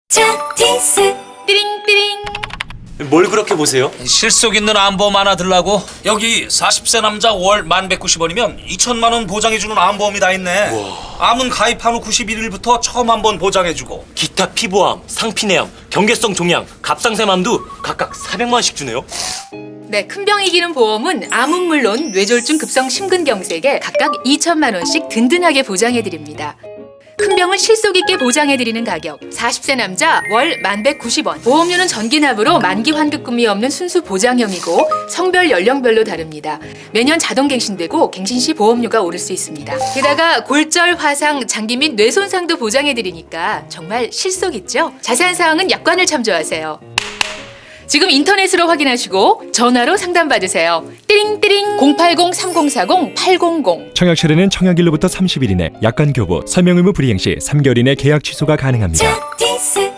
차티스 띠링띠링. 뭘 그렇게 보세요? 실속 있는 암보험 하나 들라고. 여기 40세 남자 월 1190원이면 2천만 원 보장해주는 암보험이 다 있네. 암은 가입한 후 91일부터 처음 한 번 보장해주고. 기타 피부암, 상피내암, 경계성 종양, 갑상샘암도 각각 400만 원씩 주네요. 네, 큰 병 이기는 보험은 암은 물론 뇌졸중 급성 심근경색에 각각 2천만 원씩 든든하게 보장해드립니다. 큰 병은 실속 있게 보장해드리는 가격 40세 남자 월 1190원. 보험료는 전기납으로 만기 환급금이 없는 순수 보장형이고 성별 연령별로 다릅니다. 매년 자동 갱신되고 갱신 시 보험료가 오를 수 있습니다. 게다가 골절, 화상, 장기 및 뇌 손상도 보장해드리니까 정말 실속 있죠? 자세한 사항은 약관을 참조하세요. 지금 인터넷으로 확인하시고 전화로 상담받으세요. 띠링띠링 080-3040-800. 청약 철회는 청약일로부터 30일 이내 약관 교부, 설명 의무 불이행 시 3개월 이내 계약 취소가 가능합니다. 차티스